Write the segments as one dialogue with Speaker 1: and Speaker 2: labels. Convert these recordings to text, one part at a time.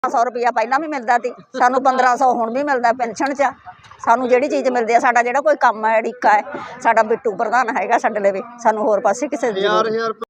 Speaker 1: 100 रुपया पहला भी मिलता थी, सानू 1500 हुण भी मिलता पेंशन च। सानू जिहड़ी चीज़ मिलती है, साडा जिहड़ा कोई काम है अड़िका है, साडा बिट्टू प्रधान हैगा साडे लवे, सानू होर पासे किसे दी जरूरत नहीं।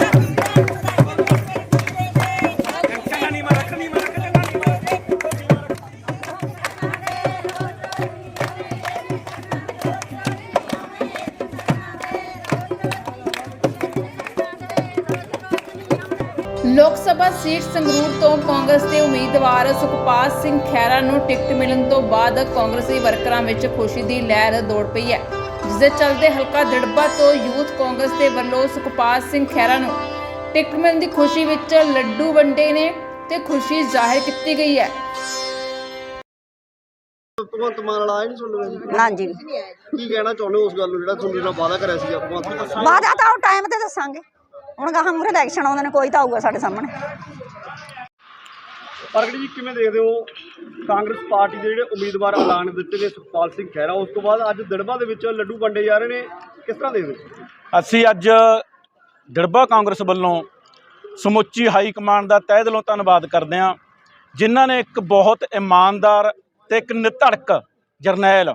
Speaker 2: लोक सभा सीट संगरूर तो कांग्रेस के उम्मीदवार सुखपाल सिंह खैरा नूं टिकट मिलण तो बाद कांग्रेसी वर्करां विच खुशी की लहर दौड़ पई है, जिस दे चलते हलका दिड़बा तो यूथ कांग्रेस के वल्लों सुखपाल सिंह खैरा नूं टिकट मिलण की खुशी विच लड्डू वंडे ने ते खुशी जाहिर की गई है।
Speaker 1: ना जी,
Speaker 3: ਕੀ ਕਹਿਣਾ ਚਾਹੁੰਦੇ ਹੋ ਉਸ ਗੱਲ ਨੂੰ ਜਿਹੜਾ ਤੁਹਾਨੂੰ ਜਿਹੜਾ ਵਾਅਦਾ ਕਰਿਆ ਸੀ ਆਪਾਂ?
Speaker 1: वादा तो टाइम ते दसांगे, हुण गाहां मूहरे इलैक्शन आउंदे ने, कोई तो आऊगा साडे सामने।
Speaker 3: ਪ੍ਰਗਟ ਜੀ ਕਿਵੇਂ ਦੇਖਦੇ ਹੋ ਕਾਂਗਰਸ ਪਾਰਟੀ ਦੇ ਜਿਹੜੇ ਉਮੀਦਵਾਰ ਐਲਾਨ ਦਿੱਤੇ ਨੇ ਸੁਖਪਾਲ ਸਿੰਘ ਖਹਿਰਾ, ਉਸ ਤੋਂ ਬਾਅਦ ਅੱਜ ਦਿੜਬਾ ਦੇ ਵਿੱਚ ਲੱਡੂ ਵੰਡੇ ਜਾ ਰਹੇ ਨੇ, ਕਿਸ ਤਰ੍ਹਾਂ ਦੇਖਦੇ ਹੋ?
Speaker 4: ਅਸੀਂ ਅੱਜ ਦਿੜਬਾ ਕਾਂਗਰਸ ਵੱਲੋਂ ਸਮੁੱਚੀ ਹਾਈ ਕਮਾਂਡ ਦਾ ਤਹਿ ਦਿਲੋਂ ਧੰਨਵਾਦ ਕਰਦੇ ਹਾਂ, ਜਿਨ੍ਹਾਂ ਨੇ ਇੱਕ ਬਹੁਤ ਇਮਾਨਦਾਰ ਤੇ ਇੱਕ ਨਿਧੜਕ ਜਰਨੈਲ,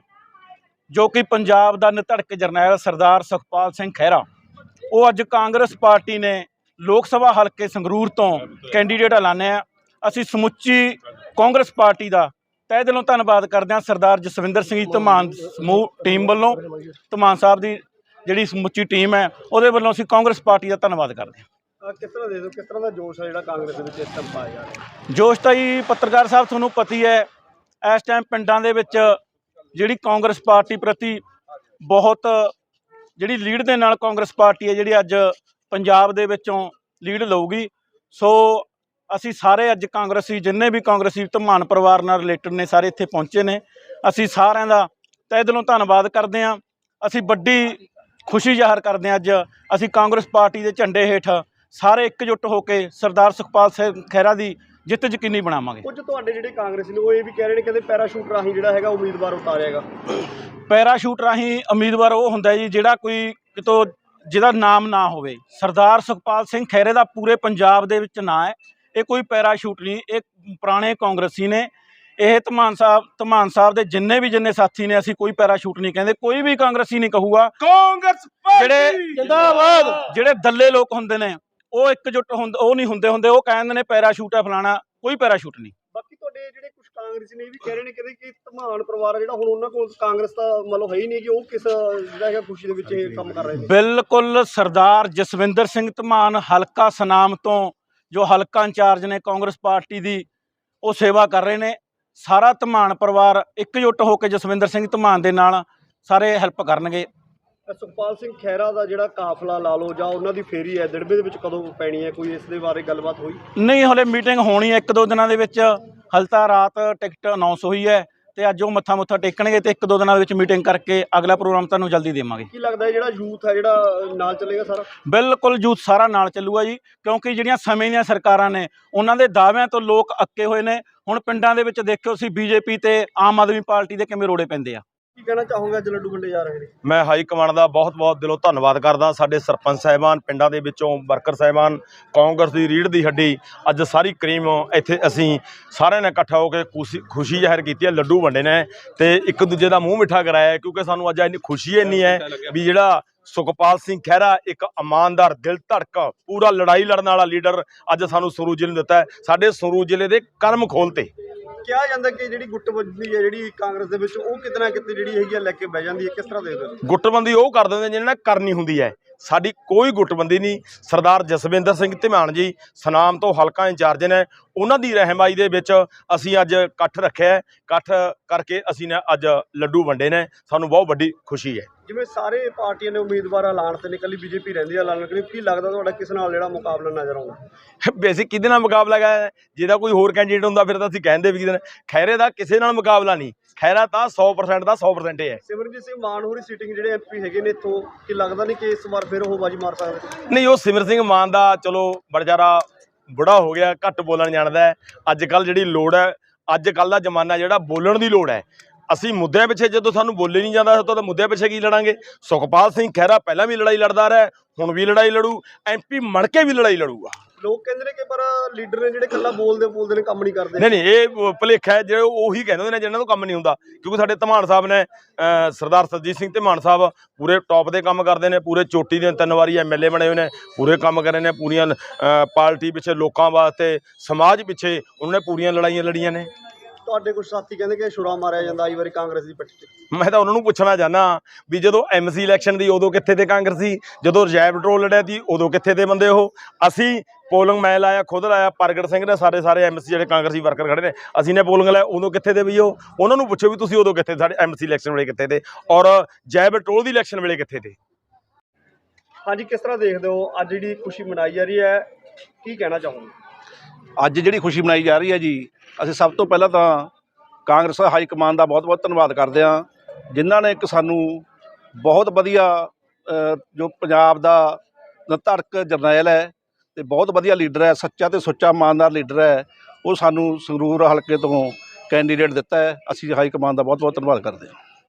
Speaker 4: ਜੋ ਕਿ ਪੰਜਾਬ ਦਾ ਨਿਧੜਕ ਜਰਨੈਲ ਸਰਦਾਰ ਸੁਖਪਾਲ ਸਿੰਘ ਖਹਿਰਾ, ਉਹ ਅੱਜ ਕਾਂਗਰਸ ਪਾਰਟੀ ਨੇ ਲੋਕ ਸਭਾ ਹਲਕੇ ਸੰਗਰੂਰ ਤੋਂ ਕੈਂਡੀਡੇਟ ਐਲਾਨਿਆ। ਅਸੀਂ ਸਮੁੱਚੀ ਕਾਂਗਰਸ ਪਾਰਟੀ ਦਾ ਤਹਿ ਦਿਲੋਂ ਧੰਨਵਾਦ ਕਰਦੇ ਹਾਂ ਸਰਦਾਰ ਜਸਵਿੰਦਰ ਸਿੰਘ ਜੀ ਧਮਾਨ ਸਮੂਹ ਟੀਮ ਵੱਲੋਂ, ਧਮਾਨ ਸਾਹਿਬ ਦੀ ਜਿਹੜੀ ਸਮੁੱਚੀ ਟੀਮ ਹੈ ਉਹਦੇ ਵੱਲੋਂ ਅਸੀਂ ਕਾਂਗਰਸ ਪਾਰਟੀ ਦਾ ਧੰਨਵਾਦ ਕਰਦੇ ਹਾਂ।
Speaker 3: ਕਿਸ ਤਰ੍ਹਾਂ ਦੇਖਦੇ ਹੋ, ਕਿਸ ਤਰ੍ਹਾਂ ਦਾ ਜੋਸ਼ ਹੈ ਜਿਹੜਾ ਕਾਂਗਰਸ ਦੇ ਵਿੱਚ ਇਸ ਟਾਈਮ ਪਾਇਆ ਜਾ ਰਿਹਾ?
Speaker 4: ਜੋਸ਼ ਤਾਂ ਜੀ ਪੱਤਰਕਾਰ ਸਾਹਿਬ ਤੁਹਾਨੂੰ ਪਤਾ ਹੀ ਹੈ, ਇਸ ਟਾਈਮ ਪਿੰਡਾਂ ਦੇ ਵਿੱਚ ਜਿਹੜੀ ਕਾਂਗਰਸ ਪਾਰਟੀ ਪ੍ਰਤੀ ਬਹੁਤ ਜਿਹੜੀ ਲੀਡ ਦੇ ਨਾਲ ਕਾਂਗਰਸ ਪਾਰਟੀ ਹੈ ਜਿਹੜੀ ਅੱਜ ਪੰਜਾਬ ਦੇ ਵਿੱਚੋਂ ਲੀਡ ਲਊਗੀ। ਸੋ ਅਸੀਂ ਸਾਰੇ ਅੱਜ ਕਾਂਗਰਸੀ ਜਿੰਨੇ ਵੀ ਕਾਂਗਰਸੀ ਧਮਾਨ ਪਰਿਵਾਰ ਨਾਲ ਰਿਲੇਟਡ ਨੇ ਸਾਰੇ ਇੱਥੇ ਪਹੁੰਚੇ ਨੇ, ਅਸੀਂ ਸਾਰਿਆਂ ਦਾ ਤਹਿ ਦਿਲੋਂ ਧੰਨਵਾਦ ਕਰਦੇ ਹਾਂ। ਅਸੀਂ ਵੱਡੀ ਖੁਸ਼ੀ ਜ਼ਾਹਰ ਕਰਦੇ ਹਾਂ, ਅੱਜ ਅਸੀਂ ਕਾਂਗਰਸ ਪਾਰਟੀ ਦੇ ਝੰਡੇ ਹੇਠ ਸਾਰੇ ਇਕਜੁੱਟ ਹੋ ਕੇ ਸਰਦਾਰ ਸੁਖਪਾਲ ਸਿੰਘ ਖਹਿਰਾ ਦੀ ਜਿੱਤ ਯਕੀਨੀ ਬਣਾਵਾਂਗੇ।
Speaker 3: ਕੁਝ ਤੁਹਾਡੇ ਜਿਹੜੇ ਕਾਂਗਰਸੀ ਨੇ ਉਹ ਇਹ ਵੀ ਕਹਿ ਰਹੇ ਨੇ, ਕਹਿੰਦੇ ਪੈਰਾਸ਼ੂਟ ਰਾਹੀਂ ਜਿਹੜਾ ਹੈਗਾ ਉਮੀਦਵਾਰ ਉਤਾਰਿਆਗਾ।
Speaker 4: ਪੈਰਾਸ਼ੂਟ ਰਾਹੀਂ ਉਮੀਦਵਾਰ ਉਹ ਹੁੰਦਾ ਜੀ ਜਿਹੜਾ ਕੋਈ ਕਿਤੋਂ ਜਿਹਦਾ ਨਾਮ ਨਾ ਹੋਵੇ। ਸਰਦਾਰ ਸੁਖਪਾਲ ਸਿੰਘ ਖਹਿਰੇ ਦਾ ਪੂਰੇ ਪੰਜਾਬ ਦੇ ਵਿੱਚ ਨਾਂ ਹੈ, ਇਹ ਕੋਈ ਪੈਰਾਸ਼ੂਟ ਨਹੀਂ, ਇਹ ਪੁਰਾਣੇ ਕਾਂਗਰਸੀ ਨੇ। ਇਹ ਧਮਾਨ ਸਾਹਿਬ ਦੇ ਜਿੰਨੇ ਸਾਥੀ ਨੇ, ਅਸੀਂ ਕੋਈ ਪੈਰਾਸ਼ੂਟ ਨਹੀਂ ਕਹਿੰਦੇ, ਕੋਈ ਵੀ ਕਾਂਗਰਸੀ ਨਹੀਂ ਕਹੂਗਾ। ਕਾਂਗਰਸ ਜਿਹੜੇ ਜਿੰਦਾਬਾਦ ਜਿਹੜੇ ਦੱਲੇ ਲੋਕ ਹੁੰਦੇ ਨੇ ਉਹ ਇਕਜੁੱਟ ਉਹ ਨਹੀਂ ਹੁੰਦੇ, ਉਹ ਕਹਿੰਦੇ ਨੇ ਪੈਰਾਸ਼ੂਟ ਹੈ ਫਲਾਣਾ, ਕੋਈ ਪੈਰਾਸ਼ੂਟ ਨਹੀਂ।
Speaker 3: ਬਾਕੀ ਤੁਹਾਡੇ ਜਿਹੜੇ ਕੁਝ ਕਾਂਗਰਸੀ ਨੇ ਇਹ ਵੀ ਕਹਿ ਰਹੇ ਨੇ ਕਿ ਧਮਾਨ ਪਰਿਵਾਰ ਜਿਹੜਾ ਹੁਣ ਉਹਨਾਂ ਕੋਲ ਕਾਂਗਰਸ ਦਾ ਮਤਲਬ ਹੈ ਹੀ ਨਹੀਂ, ਕਿ ਉਹ ਕਿਸ ਜਿਹੜਾ ਹੈਗਾ ਖੁਸ਼ੀ ਦੇ ਵਿੱਚ ਇਹ ਕੰਮ ਕਰ ਰਹੇ ਨੇ।
Speaker 4: ਬਿਲਕੁਲ ਸਰਦਾਰ ਜਸਵਿੰਦਰ ਸਿੰਘ ਧਮਾਨ ਹਲਕਾ ਸਨਾਮ ਤੋਂ ਜੋ ਹਲਕਾ ਇੰਚਾਰਜ ਨੇ ਕਾਂਗਰਸ ਪਾਰਟੀ ਦੀ, ਉਹ ਸੇਵਾ ਕਰ ਰਹੇ ਨੇ। ਸਾਰਾ ਧਮਾਨ ਪਰਿਵਾਰ ਇਕਜੁੱਟ ਹੋ ਕੇ ਜਸਵਿੰਦਰ ਸਿੰਘ ਧਮਾਨ ਦੇ ਨਾਲ ਸਾਰੇ ਹੈਲਪ ਕਰਨਗੇ।
Speaker 3: ਸੁਖਪਾਲ ਸਿੰਘ ਖਹਿਰਾ ਦਾ ਜਿਹੜਾ ਕਾਫਲਾ ਲਾ ਲਓ ਜਾਂ ਉਹਨਾਂ ਦੀ ਫੇਰੀ ਹੈ ਦਿੜਬੇ ਦੇ ਵਿੱਚ ਕਦੋਂ ਪੈਣੀ ਹੈ, ਕੋਈ ਇਸ ਦੇ ਬਾਰੇ ਗੱਲਬਾਤ ਹੋਈ?
Speaker 4: ਨਹੀਂ, ਹਲੇ ਮੀਟਿੰਗ ਹੋਣੀ ਹੈ 1-2 ਦਿਨਾਂ ਦੇ ਵਿੱਚ। ਹਲ ਤਾਂ ਰਾਤ ਟਿਕਟ ਅਨਾਉਂਸ ਹੋਈ ਹੈ ਤੇ ਅੱਜ ਉਹ ਮੱਥਾ ਟੇਕਣਗੇ ਤੇ 1-2 ਦਿਨਾਂ ਦੇ ਵਿੱਚ ਮੀਟਿੰਗ ਕਰਕੇ ਅਗਲਾ ਪ੍ਰੋਗਰਾਮ ਤੁਹਾਨੂੰ ਜਲਦੀ ਦੇਵਾਂਗੇ।
Speaker 3: ਕੀ ਲੱਗਦਾ ਹੈ ਜਿਹੜਾ ਯੂਥ ਹੈ ਜਿਹੜਾ ਨਾਲ ਚੱਲੇਗਾ ਸਾਰਾ?
Speaker 4: ਬਿਲਕੁਲ ਯੂਥ ਸਾਰਾ ਨਾਲ ਚੱਲੂਗਾ ਜੀ, ਕਿਉਂਕਿ ਜਿਹੜੀਆਂ ਸਮੇਂ ਦੀਆਂ ਸਰਕਾਰਾਂ ਨੇ ਉਹਨਾਂ ਦੇ ਦਾਅਵਿਆਂ ਤੋਂ ਲੋਕ ਅੱਕੇ ਹੋਏ ਨੇ। ਹੁਣ ਪਿੰਡਾਂ ਦੇ ਵਿੱਚ ਦੇਖਿਓ ਅਸੀਂ BJP ਤੇ ਆਮ ਆਦਮੀ ਪਾਰਟੀ ਦੇ ਕਿਵੇਂ ਰੋੜੇ ਪੈਂਦੇ ਆ।
Speaker 3: ਕੀ ਕਹਿਣਾ ਚਾਹੋਗੇ ਅੱਜ ਲੱਡੂ ਵੰਡੇ ਜਾ ਰਹੇ ਨੇ?
Speaker 5: ਮੈਂ ਹਾਈ ਕਮਾਂਡ ਦਾ ਬਹੁਤ ਦਿਲੋਂ ਧੰਨਵਾਦ ਕਰਦਾ। ਸਾਡੇ ਸਰਪੰਚ ਸਾਹਿਬਾਨ, ਪਿੰਡਾਂ ਦੇ ਵਿੱਚੋਂ ਵਰਕਰ ਸਾਹਿਬਾਨ, ਕਾਂਗਰਸ ਦੀ ਰੀੜ੍ਹ ਦੀ ਹੱਡੀ, ਅੱਜ ਸਾਰੀ ਕਰੀਮ ਇੱਥੇ ਅਸੀਂ ਸਾਰਿਆਂ ਨੇ ਇਕੱਠਾ ਹੋ ਕੇ ਖੁਸ਼ੀ ਜ਼ਾਹਿਰ ਕੀਤੀ ਹੈ। ਲੱਡੂ ਵੰਡੇ ਨੇ ਤੇ ਇੱਕ ਦੂਜੇ ਦਾ ਮੂੰਹ ਮਿੱਠਾ ਕਰਾਇਆ, ਕਿਉਂਕਿ ਸਾਨੂੰ ਅੱਜ ਇੰਨੀ ਖੁਸ਼ੀ ਇੰਨੀ ਹੈ ਵੀ ਜਿਹੜਾ ਸੁਖਪਾਲ ਸਿੰਘ ਖਹਿਰਾ ਇੱਕ ਇਮਾਨਦਾਰ, ਦਿਲ ਧੜਕ, ਪੂਰਾ ਲੜਾਈ ਲੜਨ ਵਾਲਾ ਲੀਡਰ ਅੱਜ ਸਾਨੂੰ ਸੰਗਰੂਰ ਜ਼ਿਲ੍ਹੇ ਨੂੰ ਦਿੱਤਾ ਹੈ। ਸਾਡੇ ਸੰਗਰੂਰ ਜ਼ਿਲ੍ਹੇ ਦੇ ਕਰਮ ਖੋਲ੍ਹਤੇ।
Speaker 3: ਕਿਹਾ ਜਾਂਦਾ ਕਿ ਜਿਹੜੀ ਗੁੱਟਬੰਦੀ ਹੈ ਜਿਹੜੀ ਕਾਂਗਰਸ ਦੇ ਵਿੱਚ ਉਹ ਕਿਤੇ ਨਾ ਕਿਤੇ ਜਿਹੜੀ ਹੈਗੀ ਆ ਲੈ ਕੇ ਬਹਿ ਜਾਂਦੀ ਹੈ, ਕਿਸ ਤਰ੍ਹਾਂ ਦੇਖਦੇ ਹੋ?
Speaker 5: ਗੁੱਟਬੰਦੀ ਉਹ ਕਰ ਦਿੰਦੇ ਜਿਹਨਾਂ ਨਾਲ ਕਰਨੀ ਹੁੰਦੀ ਹੈ, ਸਾਡੀ ਕੋਈ ਗੁੱਟਬੰਦੀ ਨਹੀਂ। ਸਰਦਾਰ ਜਸਵਿੰਦਰ ਸਿੰਘ ਧਮਾਨ ਜੀ ਸਨਾਮ ਤੋਂ ਹਲਕਾ ਇੰਚਾਰਜ ਨੇ, ਉਹਨਾਂ ਦੀ ਰਹਿਨੁਮਾਈ ਦੇ ਵਿੱਚ ਅਸੀਂ ਅੱਜ ਇਕੱਠ ਰੱਖਿਆ। ਇਕੱਠ ਕਰਕੇ ਅਸੀਂ ਨੇ ਅੱਜ ਲੱਡੂ ਵੰਡੇ ਨੇ, ਸਾਨੂੰ ਬਹੁਤ ਵੱਡੀ ਖੁਸ਼ੀ ਹੈ।
Speaker 3: ਜਿਵੇਂ ਸਾਰੇ ਪਾਰਟੀਆਂ ਨੇ ਉਮੀਦਵਾਰ ਐਲਾਨ ਤੇ ਨੇ, ਇਕੱਲੀ BJP ਰਹਿੰਦੀ ਹੈ ਐਲਾਨ ਕਰੀ, ਕੀ ਲੱਗਦਾ ਤੁਹਾਡਾ ਕਿਸ ਨਾਲ ਜਿਹੜਾ ਮੁਕਾਬਲਾ ਨਜ਼ਰ ਆਉਂਦਾ?
Speaker 5: ਬੇਸਿਕ ਕਿਹਦੇ ਨਾਲ ਮੁਕਾਬਲਾ ਹੈ? ਜਿਹਦਾ ਕੋਈ ਹੋਰ ਕੈਂਡੀਡੇਟ ਹੁੰਦਾ ਫਿਰ ਤਾਂ ਅਸੀਂ ਕਹਿੰਦੇ ਵੀ ਕਿਹਦੇ ਨਾਲ। ਖਹਿਰੇ ਦਾ ਕਿਸੇ ਨਾਲ ਮੁਕਾਬਲਾ ਨਹੀਂ, ਖਹਿਰਾ ਤਾਂ 100% ਦਾ 100% ਹੈ।
Speaker 3: ਸਿਮਰਨਜੀਤ ਸਿੰਘ ਮਾਨ ਹੋਰੀ ਸੀਟਿੰਗ ਜਿਹੜੇ MP ਹੈਗੇ ਨੇ ਇੱਥੋਂ, ਕੀ ਲੱਗਦਾ ਨਹੀਂ ਕਿ ਇਸ ਵਾਰ ਫਿਰ ਉਹ ਬਾਜੀ ਮਾਰ ਸਕਦੇ?
Speaker 5: ਨਹੀਂ, ਉਹ ਸਿਮਰ ਸਿੰਘ ਮਾਨ ਦਾ ਚਲੋ ਬੜਜਾਰਾ ਬੁੜਾ ਹੋ ਗਿਆ, ਘੱਟ ਬੋਲਣ ਜਾਣਦਾ ਹੈ। ਅੱਜ ਕੱਲ੍ਹ ਜਿਹੜੀ ਲੋੜ ਹੈ, ਅੱਜ ਕੱਲ੍ਹ ਦਾ ਜ਼ਮਾਨਾ ਜਿਹੜਾ ਬੋਲਣ ਦੀ ਲੋੜ ਹੈ। ਅਸੀਂ ਮੁੱਦਿਆਂ ਪਿੱਛੇ ਜਦੋਂ ਸਾਨੂੰ ਬੋਲੇ ਨਹੀਂ ਜਾਂਦਾ ਤਾਂ ਮੁੱਦਿਆਂ ਪਿੱਛੇ ਕੀ ਲੜਾਂਗੇ? ਸੁਖਪਾਲ ਸਿੰਘ ਖਹਿਰਾ ਪਹਿਲਾਂ ਵੀ ਲੜਾਈ ਲੜਦਾ ਰਿਹਾ, ਹੁਣ ਵੀ ਲੜਾਈ ਲੜੂ, MP ਮੜ ਕੇ ਵੀ ਲੜਾਈ ਲੜੂਗਾ।
Speaker 3: ਲੋਕ ਕਹਿੰਦੇ ਨੇ ਕਿ ਪਰ ਲੀਡਰ ਨੇ ਜਿਹੜੇ ਇਕੱਲਾ ਬੋਲਦੇ ਨੇ ਕੰਮ ਨਹੀਂ ਕਰਦੇ।
Speaker 5: ਨਹੀਂ ਇਹ ਭੁਲੇਖਾ ਹੈ, ਜਿਹੜੇ ਉਹੀ ਕਹਿੰਦੇ ਨੇ ਜਿਹਨਾਂ ਤੋਂ ਕੰਮ ਨਹੀਂ ਹੁੰਦਾ। ਕਿਉਂਕਿ ਸਾਡੇ ਧਮਾਨ ਸਾਹਿਬ ਨੇ ਸਰਦਾਰ ਸਰਜੀਤ ਸਿੰਘ ਧਮਾਨ ਸਾਹਿਬ ਪੂਰੇ ਟੌਪ ਦੇ ਕੰਮ ਕਰਦੇ ਨੇ, ਪੂਰੇ ਚੋਟੀ ਦੇ 3 ਵਾਰੀ MLA ਬਣੇ ਹੋਏ ਨੇ, ਪੂਰੇ ਕੰਮ ਕਰ ਰਹੇ ਨੇ, ਪੂਰੀਆਂ ਪਾਰਟੀ ਪਿੱਛੇ, ਲੋਕਾਂ ਵਾਸਤੇ, ਸਮਾਜ ਪਿੱਛੇ ਉਹਨਾਂ ਨੇ ਪੂਰੀਆਂ ਲੜਾਈਆਂ ਲੜੀਆਂ ਨੇ।
Speaker 3: ਤੁਹਾਡੇ ਕੁਝ ਸਾਥੀ ਕਹਿੰਦੇ ਕਿ ਛੁਰਾ ਮਾਰਿਆ ਜਾਂਦਾ ਆਈ ਵਾਰੀ ਕਾਂਗਰਸ ਦੀ ਪੱਟੀ ਤੇ।
Speaker 5: ਮੈਂ ਤਾਂ ਉਹਨਾਂ ਨੂੰ ਪੁੱਛਣਾ ਚਾਹੁੰਦਾ ਵੀ ਜਦੋਂ MC ਇਲੈਕਸ਼ਨ ਦੀ ਉਦੋਂ ਕਿੱਥੇ ਤੇ ਕਾਂਗਰਸੀ, ਜਦੋਂ ਰਜਾਇਬ ਪੈਟਰੋਲ ਲੜਿਆ ਸੀ ਉਦੋਂ ਕਿੱਥੇ ਤੇ ਬੰਦੇ ਉਹ। ਅਸੀਂ ਪੋਲਿੰਗ ਮੈਂ ਲਾਇਆ, ਖੁਦ ਲਾਇਆ, ਪ੍ਰਗਟ ਸਿੰਘ ਨੇ, ਸਾਰੇ MC ਜਿਹੜੇ ਕਾਂਗਰਸੀ ਵਰਕਰ ਖੜੇ ਨੇ, ਅਸੀਂ ਨੇ ਪੋਲਿੰਗ ਲਾਇਆ, ਉਦੋਂ ਕਿੱਥੇ ਤੇ ਵੀ ਉਹ। ਉਹਨਾਂ ਨੂੰ ਪੁੱਛੋ ਵੀ ਤੁਸੀਂ ਉਦੋਂ ਕਿੱਥੇ, ਸਾਡੇ MC ਇਲੈਕਸ਼ਨ ਵੇਲੇ ਕਿੱਥੇ ਤੇ, ਔਰ ਜੈਬ ਪੈਟਰੋਲ ਦੀ ਇਲੈਕਸ਼ਨ ਵੇਲੇ ਕਿੱਥੇ ਤੇ।
Speaker 3: ਹਾਂਜੀ, ਕਿਸ ਤਰ੍ਹਾਂ ਦੇਖਦੇ ਹੋ ਅੱਜ ਜਿਹੜੀ ਖੁਸ਼ੀ ਮਨਾਈ ਜਾ ਰਹੀ ਹੈ, ਕੀ ਕਹਿਣਾ ਚਾਹੋਗੇ?
Speaker 4: ਅੱਜ ਜਿਹੜੀ ਖੁਸ਼ੀ ਮਨਾਈ ਜਾ ਰਹੀ ਹੈ ਜੀ, ਅਸੀਂ ਸਭ ਤੋਂ ਪਹਿਲਾਂ ਤਾਂ ਕਾਂਗਰਸ ਹਾਈ ਕਮਾਨ ਦਾ ਬਹੁਤ ਬਹੁਤ ਧੰਨਵਾਦ ਕਰਦੇ ਹਾਂ, ਜਿਨ੍ਹਾਂ ਨੇ ਇੱਕ ਸਾਨੂੰ ਬਹੁਤ ਵਧੀਆ ਜੋ ਪੰਜਾਬ ਦਾ ਧੜਕ ਜਰਨੈਲ ਹੈ ਅਤੇ ਬਹੁਤ ਵਧੀਆ ਲੀਡਰ ਹੈ, ਸੱਚਾ ਅਤੇ ਸੁੱਚਾ ਇਮਾਨਦਾਰ ਲੀਡਰ ਹੈ, ਉਹ ਸਾਨੂੰ ਸੰਗਰੂਰ ਹਲਕੇ ਤੋਂ ਕੈਂਡੀਡੇਟ ਦਿੱਤਾ ਹੈ। ਅਸੀਂ ਹਾਈ ਕਮਾਨ ਦਾ ਬਹੁਤ ਬਹੁਤ ਧੰਨਵਾਦ ਕਰਦੇ ਹਾਂ।